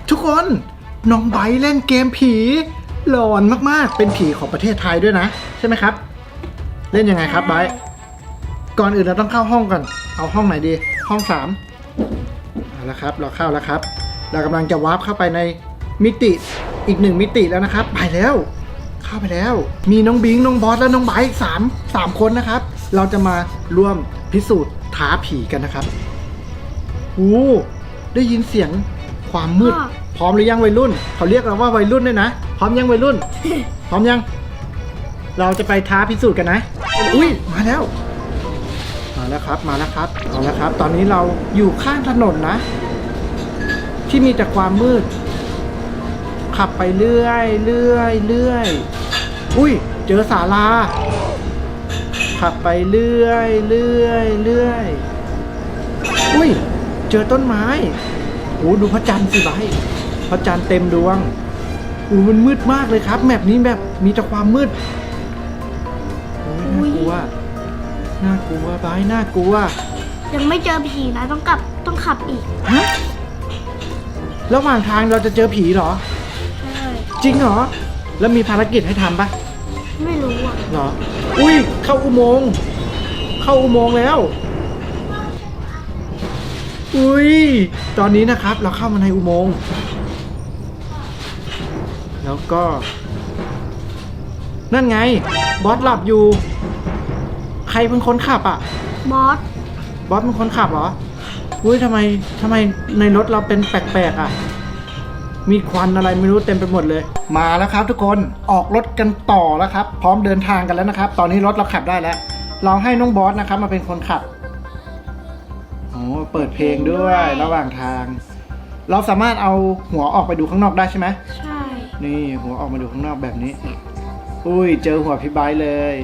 ทุกคนน้องไบร์ทเล่นเกมผีหลอนมากๆเป็นผีของประเทศไทยด้วยนะใช่ไหมครับเล่นยังไงครับไบร์ทก่อนอื่นเราต้องเข้าห้องก่อนเอาห้องไหนดีห้อง3เอาละครับเราเข้าแล้วครับเรากำลังจะวาร์ปเข้าไปในมิติอีก1มิติแล้วนะครับไปแล้วเข้าไปแล้วมีน้องบิงน้องบอสและน้องไบร์ทสามคนนะครับเราจะมาร่วมพิสูจน์ท้าผีกันนะครับโอ้ได้ยินเสียงความมืดพร้อมหรือยังวัยรุ่นเขาเรียกเราว่าวัยรุ่นด้วยนะพร้อมยังวัยรุ่น พร้อมยังเราจะไปท้าพิสูจน์กันนะอุ้ยมาแล้วครับมาแล้วครับเอาละครับตอนนี้เราอยู่ข้างถนนนะที่มีแต่ความมืดขับไปเรื่อยอุ้ยเจอศาลาขับไปเรื่อยอุ้ยเจอต้นไม้โอ้ดูพระจันทร์สิไบร์ทพระจันทร์เต็มดวงโอ้มันมืดมากเลยครับแมปนี้แบบมีแต่ความมืดโอ้ยน่ากลัวไบร์ทน่ากลัวยังไม่เจอผีนะต้องขับอีกฮะระหว่างทางเราจะเจอผีเหรอใช่จริงเหรอแล้วมีภารกิจให้ทำปะไม่รู้อ่ะเหรออุ้ยเข้าอุโมงค์แล้วอุ้ยตอนนี้นะครับเราเข้ามาในอุโมงค์แล้วก็นั่นไงบอสหลับอยู่ใครเป็นคนขับอ่ะบอสเป็นคนขับเหรออุ้ยทำไมในรถเราเป็นแปลกๆอ่ะมีควันอะไรไม่รู้เต็มไปหมดเลยมาแล้วครับทุกคนออกรถกันต่อแล้วครับพร้อมเดินทางกันแล้วนะครับตอนนี้รถเราขับได้แล้วเราให้น้องบอสนะครับมาเป็นคนขับโอ้เปิดเพลงด้วยระหว่างทางเราสามารถเอาหัวออกไปดูข้างนอกได้ใช่ไหมใช่นี่หัวออกมาดูข้างนอกแบบนี้อุ้ยเจอหัวพี่ไบร์ทเลย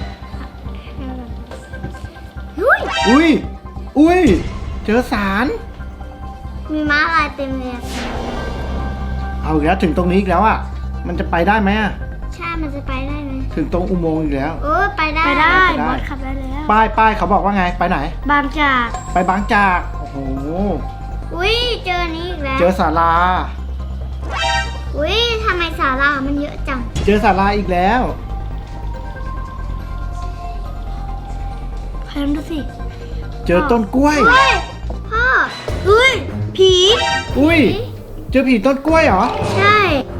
อุ้ยเจอสารมีม้าลายเต็มเลยเอาอีกแล้วถึงตรงนี้อีกแล้วอ่ะมันจะไปได้ไหมอ่ะใช่มันจะไปได้ไหมถึงตรงอุโมงค์อีกแล้วไปได้บอสขับได้แล้วป้ายเขาบอกว่าไงไปไหนบางจากไปบางจากโอ้โหอุ้ยเจอนี้อีกแล้วเจอศาลาอุ้ยทำไมศาลามันเยอะจังเจอศาลาอีกแล้วใครดูสิเจอต้นกล้วยพ่ออุ้ยผีอุ้ยเจอผีต้นกล้วยเหรอใช่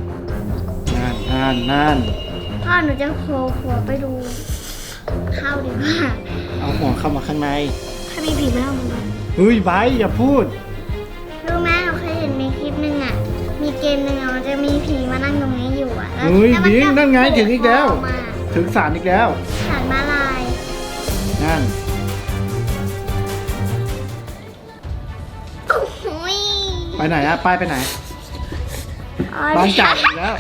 นั่นพ่อหนูจะโผล่หัวไปดูเข้าดีกว่าเอาหัวเข้ามาข้างในถ้ามีผีไม่เอามันเฮ้ยไบร์ทอย่าพูดรู้ไหมเราเคยเห็นในคลิปนึงอ่ะมีเกมนึงมันจะมีผีมานั่งตรงนี้อยู่อ่ะเฮ้ยบิงนั่นไงถึงอีกแล้วถึงศาลอีกแล้วศาลม้าลายนั่นไปไหนอะป้ายไปไหนบางจากอีกแล้ว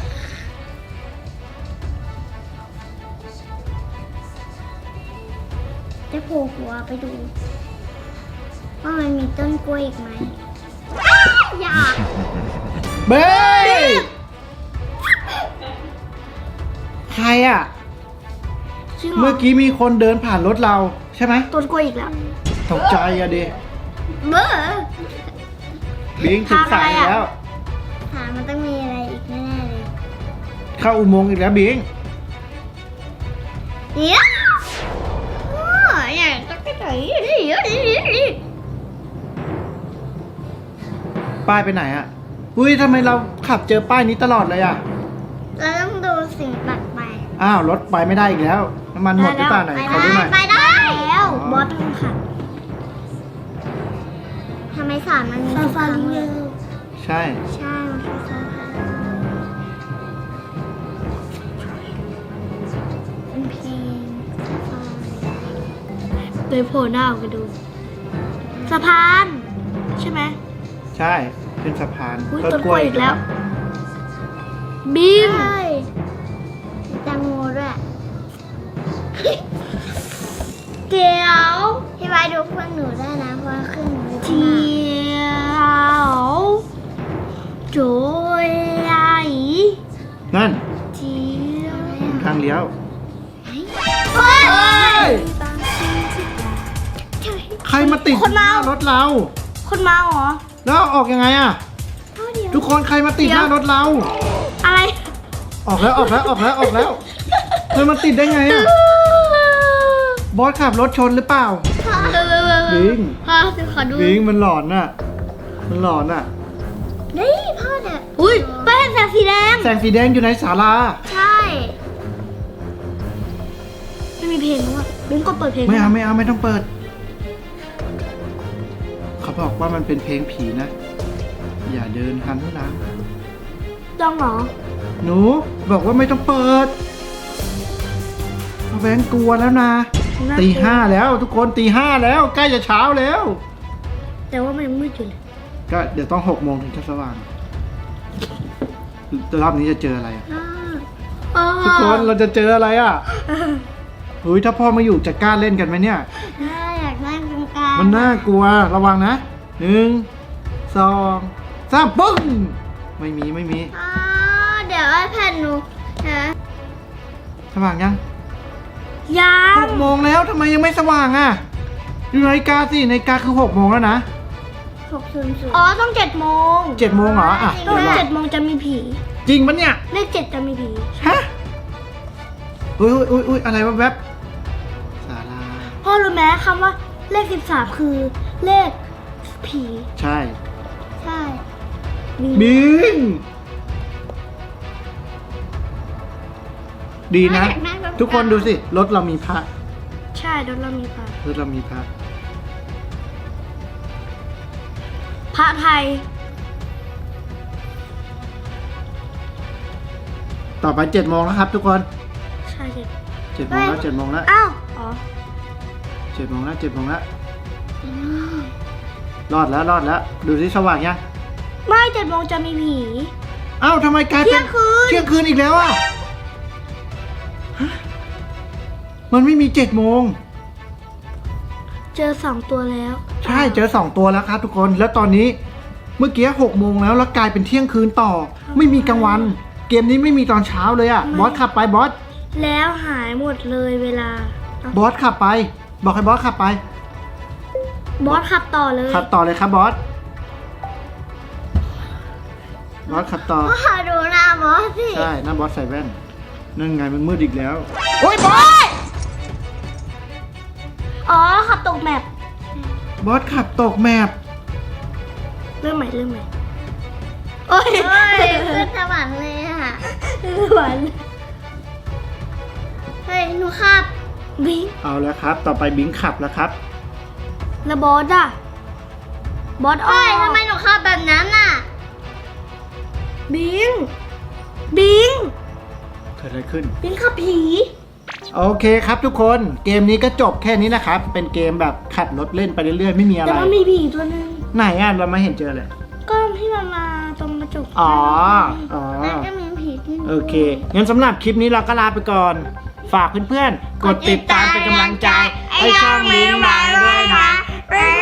จะโผล่หัวไปดูว่ามันมีต้นกล้วยอีกไหมอยากเบ้ใครอะเมื่อกี้มีคนเดินผ่านรถเราใช่ไหมต้นกล้วยอีกแล้วตกใจอะดิเบ้บิงถึงสายแล้วมันต้องมีอะไรอีกแน่เลยเข้าอุโมงค์อีกแล้วบิงอยากจะไปไหนป้ายไปไหนอ่ะอุ้ยทำไมเราขับเจอป้ายนี้ตลอดเลยอ่ะเราต้องดูสิ่งแปลกไปอ้าวรถไปไม่ได้อีกแล้วน้ำมันหมดหรือเปล่าไหนขอดูหน่อยไปได้แล้วบอสต้องขับทำไมสารมันมีซาฟารีใช่มันคือซาฟารีเป็นเพลงเลยโผล่หน้าออกมาดูสะพานใช่ไหมใช่เป็นสะพานต้นกล้วยอีกแล้วบีมแตงโมด้วยเดี๋ยวพี่ไว้ดูเพื่อนหนูได้นะเพราะว่าขึ้นหนูเดี๋ยวโจยนั่นทางเลี้ยวใครมาติดหน้ารถเราคนมาเหรอแล้วออกยังไงอ่ะเดี๋ยวทุกคนใครมาติดหน้ารถเราอะไรออกแล้วเธอมาติดได้ไงอะบอสขับรถชนหรือเปล่า บิงพ่อขอดูบิงมันหลอนน่ะนี่พ่อเนี่ยอุ้ยแป้งแสงสีแดงแสงสีแดงอยู่ในศาลาใช่ไม่มีเพลงแล้วอ่ะบิงก็เปิดเพลงไม่ต้องเปิด เขาบอกว่ามันเป็นเพลงผีนะ อย่าเดินหันหลังต้องเหรอหนูบอกว่าไม่ต้องเปิดเอาแบงค์กลัวแล้วนะ ตี 5แล้วทุกคนตี 5แล้วใกล้จะเช้าแล้วแต่ว่ามันยังมืดอยู่เลยก็เดี๋ยวต้อง6 โมงถึงจะสว่างรอบนี้จะเจออะไรอะทุกคนเราจะเจออะไรอะเฮ้ยถ้าพ่อมาอยู่จะกล้าเล่นกันไหมเนี่ยอยากนั่งตรงกลางมันน่ากลัวระวังนะ1 2 3ปึ้งไม่มีเดี๋ยวไอ้แผ่นหนูนะสว่างยังยัง 6 โมงแล้วทำไมยังไม่สว่างอ่ะดูนาฬิกาสินาฬิกาคือ6 โมงแล้วนะอ๋อต้อง7 โมง 7 โมงเหรออ่ะต้องเดี๋ยวรอ 7 โมงจะมีผีจริงปะเนี่ยเลข7จะมีผีฮะอุ้ยอะไรวะแวบศาลาพ่อรู้ไหมคำว่าเลข13คือเลขผีใช่ใช่บิงดีนะ ทุกคนดูสิรถเรามีพระใช่รถเรามีพระรถเรามีพระพระไทยต่อไป7 โมงแล้วครับ ทุกคนใช่เด็ด 7 โมงแล้ว7 โมงแล้วอ้าวอ๋อ 7 โมงแล้ว7 โมงแล้วรอดแล้วดูสิสว่างยังไม่7 โมงจะมีผีเอ้าทำไมกลายเป็นเที่ยงคืนเที่ยงคืนอีกแล้วอ่ะฮะมันไม่มี7 โมงเจอ2 ตัวแล้วใช่เจอ2 ตัวแล้วครับทุกคนแล้วตอนนี้เมื่อกี้6 โมงแล้วกลายเป็นเที่ยงคืนต่อ ไม่มีกลางวัน เกมนี้ไม่มีตอนเช้าเลยอ่ะบอสขับไปบอสแล้วหายหมดเลยเวลาบอสขับไป บอกให้บอสขับไปบอสขับต่อเลยขับต่อเลยครับบอสบอสขับต่อพ่อดูหน้าบอสสิใช่หน้าบอสใส่แว่นนั่นไงมันมืดอีกแล้วโอ้ยบอสอ๋อขับตกแมปบอสขับตกแมปเรื่องใหม่โอ้ยขึ้นสวรรค์เลยอ่ะสวรรค์เฮ้ยหนูขับบิงเอาแล้วครับ ต่อไปบิงขับแล้วครับแล้วบอสอ่ะบอสออกทำไมหนูขับแบบนั้นอ่ะบิงเกิดอะไรขึ้นบิงขับผีโอเคครับทุกคน เกมนี้ก็จบแค่นี้นะครับ เป็นเกมแบบขับรถเล่นไปเรื่อยๆ ไม่มีอะไรแต่ว่ามีผีตัวนึงไหนอ่ะเราไม่เห็นเจอเลยก็ที่มันมาตรงกระจกอ๋อแล้วก็มีผีที่โอเค งั้นสำหรับคลิปนี้เราก็ลาไปก่อน ฝากเพื่อนๆ กดติดตามเป็นกำลังใจให้ช่องลิ้นมาด้วยนะบ๊ายบ